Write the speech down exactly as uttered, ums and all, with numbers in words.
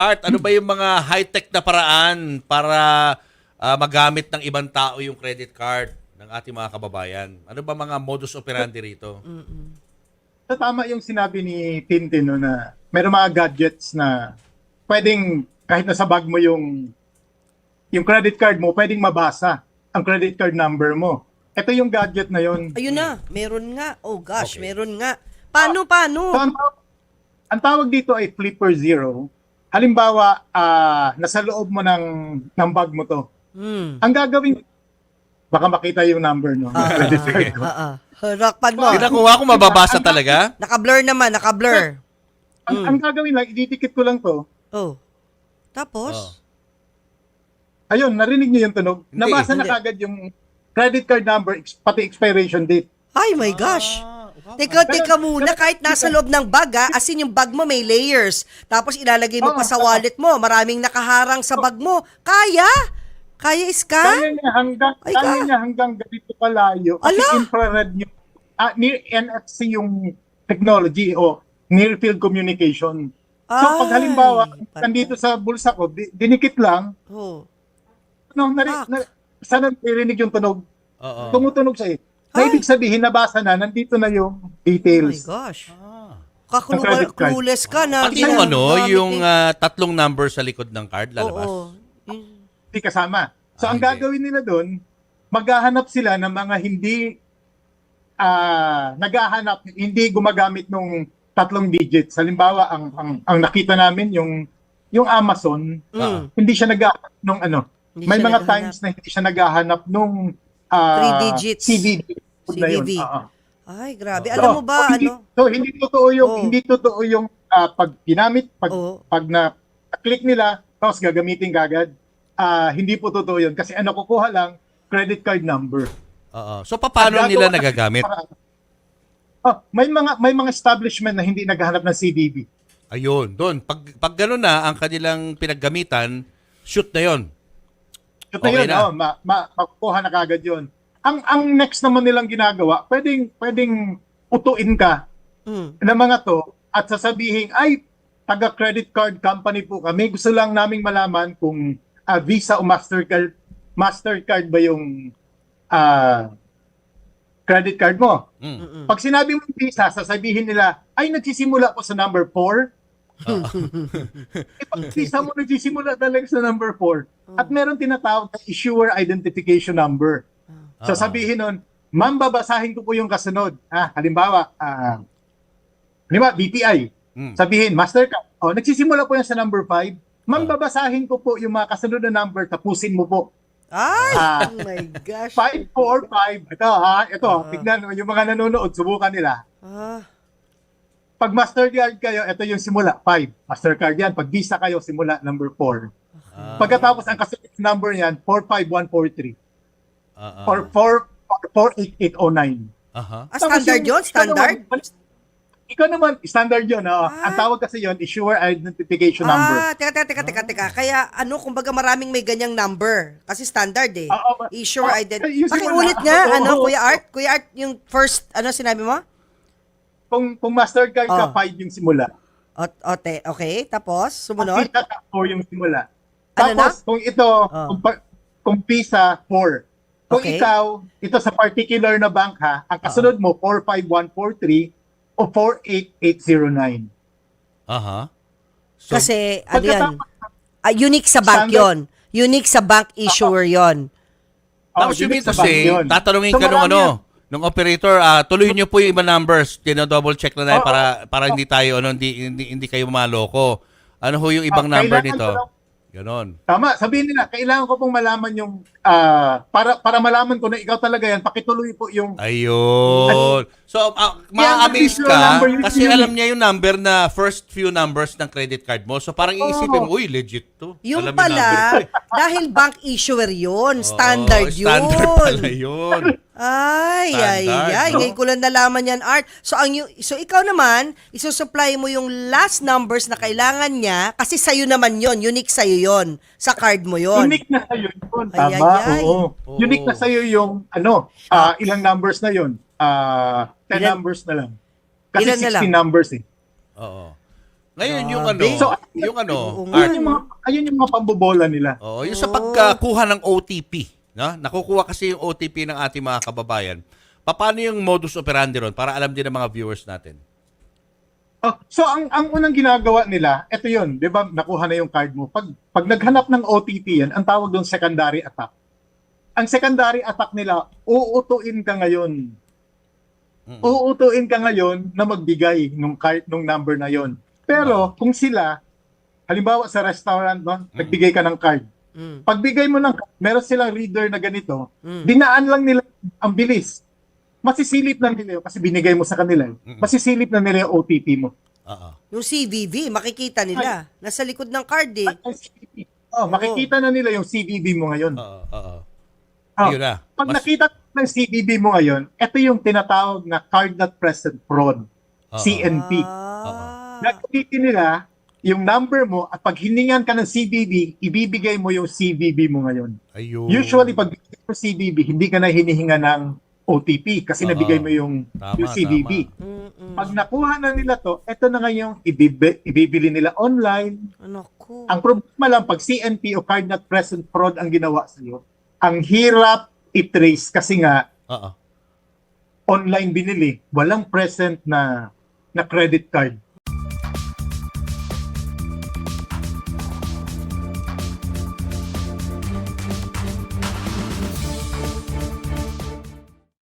Art, ano ba yung mga high-tech na paraan para ah, magamit ng ibang tao yung credit card ng ating mga kababayan? Ano ba mga modus operandi rito? So, tama yung sinabi ni Tintin no, na meron mga gadgets na pwedeng kahit nasa bag mo yung yung credit card mo, pwedeng mabasa ang credit card number mo. Ito yung gadget na yun. Ayun na, meron nga. Oh gosh, Okay. meron nga. Paano, paano? So, ang, taw- ang tawag dito ay Flipper Zero. Halimbawa, ah, nasa loob mo ng, ng bag mo to. Hmm. Ang gagawin, baka makita yung number no, ng credit card ko. Ah, ah. Harakpan mo. Pinakuha ko mababasa talaga? Naka-blur naman, naka-blur. Ang, ang gagawin lang, ididikit ko lang to. Oh. Tapos? Oh. Ayun, narinig niyo yung tunog? Hindi, Nabasa na hindi. kagad yung credit card number, ex- pati expiration date. Ay my gosh. Teka, teka muna, kahit nasa loob ng bag ha, as in yung bag mo may layers. Tapos ilalagay mo pa sa wallet mo, maraming nakaharang sa bag mo. Kaya? Kaya iska? Kaya niya hanggang, Ay, kaya ka. niya hanggang ganito kalayo. Kasi Ala! infrared yung, ah, near N F C yung technology o near field communication. So pag Ay, halimbawa, patay. nandito sa bulsa ko, di- dinikit lang, Oh. no, nari, Fuck. na, sana narinig yung tunog, Oo. tumutunog siya eh. Na Ay. ibig sabihin, nabasa na, nandito na yung Oh my details. gosh. Ah. Kaklu- Ang credit card. clueless ka na. Pati yung ano, ginagamit yung eh. ah, tatlong number sa likod ng card lalabas. Oo. Yun- Hindi kasama. So Ah, ang hindi. gagawin nila doon, maghahanap sila ng mga hindi ah naghahanap, hindi gumagamit nung tatlong digits. Halimbawa, ang ang, ang nakita namin yung yung Amazon, Mm. hindi siya naghahanap nung ano. Hindi May siya mga naghahanap. times na hindi siya naghahanap nung ah, Three digits. C V V. Na yun. C V V. Oo. Ay, grabe. So, Alam mo ba, so, hindi, ano? So hindi totoo yung Oo. hindi totoo yung ah, pag ginamit, pag Oo. pag na click nila, tapos gagamitin kagad. Ah, hindi po totoo yun kasi ano kukuha lang credit card number. Oo. So paano Ang nila gagawa kasi nagagamit? para- Oh, may mga may mga establishment na hindi naghahanap ng C V V. Ayun, doon. Pag, pag gano'n na ang kanilang pinaggamitan, shoot na yon. Ito na Okay yun, na. oh, ma, ma, makukuha na kagad yun. Ang ang next naman nilang ginagawa, pwedeng pwedeng utuin ka Mm. ng mga to at sasabihin, ay, taga credit card company po kami. Gusto lang naming malaman kung ah, Visa o Mastercard, Mastercard ba yung ah, credit card mo. Mm. Pag sinabi mo Visa, sasabihin nila, ay, nagsisimula po sa number four. Eh, pag Visa mo nagsisimula talaga sa number four. At meron tinatawag na issuer identification number. So sabihin nun, ma'am, babasahin ko po yung kasunod. Ah, halimbawa, ah, halimbawa, B P I. Mm. Sabihin, Mastercard. Oh, nagsisimula po yan sa number five. Ma'am, Ah. babasahin ko po yung mga kasunod na number, tapusin mo po. Ay, Ah. oh my gosh. five four five. Ito ha, ito. Ah. Tignan mo, yung mga nanonood, subukan nila. Ah, Pag Mastercard kayo, ito yung simula, five. Mastercard yan. Pag Visa kayo, simula, number four. Ah. Pagkatapos, ang kasunod number niyan, four five one four three. Ah, ah. Or four four eight eight oh nine. Aha. ah, standard yun? Standard? Ikaw naman, ikaw naman, standard yun. Oh. Ah. Ang tawag kasi yun, issuer identification number. Ah, teka, teka, teka, teka, teka. Kaya ano, kumbaga maraming may ganyang number. Kasi standard eh. Oo, ba- Issue oh, identity. yung Pakiulit simula. nga, Oo, ano, oo, Kuya oo. Art? Kuya Art, yung first, ano sinabi mo? Kung, kung Mastercard ka, Oh. five yung simula. O, ote, okay. Tapos, Kung sumunod. Visa ka, four yung simula. Ano na? Tapos, kung ito, Oh. kung, pa- kung Visa, four. Kung Okay. ikaw, ito sa particular na bank ha, ang kasunod mo, four five one four three o four eight eight zero nine. Aha. So, Kasi, ano yan? Pagkatapos, Ah, unique sa bank Standard- yon. Unique sa bank issuer yon. tapos oh, yung yun mean sa kasi, bank yun. tatanungin So, ka nung marami ano, yan. nung operator, ah, tuloy nyo po yung ibang numbers. Tino-double check na na Oo. para para hindi tayo ano, hindi, hindi hindi kayo maloko. Ano ho yung ibang Ah, number kailangan nito? ko lang- Ganon. Tama, sabihin nila, kailangan ko pong malaman yung, ah, para para malaman ko na ikaw talaga yan, pakituloy po yung, Ayun. So, uh, ma-amaze Yan, ka number, yun kasi yun. alam niya yung number na first few numbers ng credit card mo. So, parang iisipin mo, uy, legit to. Yung Alam number ko pala, eh. dahil bank issuer yun. Oo, Standard yun. Standard pala yun. Ay, ay, Standard, ay. no? Ngayon ko lang nalaman yan, Art. So, ang, yu- so ikaw naman, isusupply mo yung last numbers na kailangan niya kasi sa'yo naman yon, unique sa'yo yon, sa card mo yon. unique na sa'yo yun. Ay, Tama, ay, ay. oo. Oo. Unique na sa'yo yung, ano, ah, ilang numbers na yun? Ah, ten Ilan- numbers na lang. Kasi Ilan na lang? sixteen numbers eh. Oo. Ngayon yung ano, Grabe. So, yung ano, Oo nga. Ayun yung mga, ayun yung mga pambobola nila. oh, yung sa pagkuha ng O T P, no? Nakukuha kasi yung O T P ng ating mga kababayan. Paano yung modus operandi ron para alam din ng mga viewers natin? Oh, so ang ang unang ginagawa nila, ito 'yun, 'di ba? Nakuha na yung card mo. Pag pag naghanap ng O T P 'yan, ang tawag doon secondary attack. Ang secondary attack nila, uutuin ka ngayon. Mm. Uutuin ka ngayon na magbigay ng card nung number na 'yon. Pero kung sila halimbawa sa restaurant, no, nagbigay ka ng card. Mm. Pagbigay mo ng card, meron silang reader na ganito, Mm. dinaan lang nila ang bilis. Masisilip na nila yun kasi binigay mo sa kanila. eh. Masisilip na nila yung O T P mo. Oo. Yung C V V, makikita nila. Nasa likod ng card eh. Ang C V V. Oh, makikita na nila yung C V V mo ngayon. Oo, oo. Oh, Yun na. pag Mas- nakita ng C V V mo ngayon, ito yung tinatawag na card not present fraud, Oo. C N P. Ah. Nagpitin nila yung number mo at pag hiningan ka ng C V V, ibibigay mo yung C V V mo ngayon. Ayun. Usually, pag bigay mo C V V, hindi ka na hinihinga ng O T P kasi Oo. nabigay mo yung, Tama, yung C V V. tama. Mm-mm. Pag nakuha na nila to, ito na nga yung ibibi, ibibili nila online. Ano ko? Ang problema lang, pag C N P o card not present fraud ang ginawa sa'yo, ang hirap i-trace kasi nga Oo. online binili, walang present na na credit card.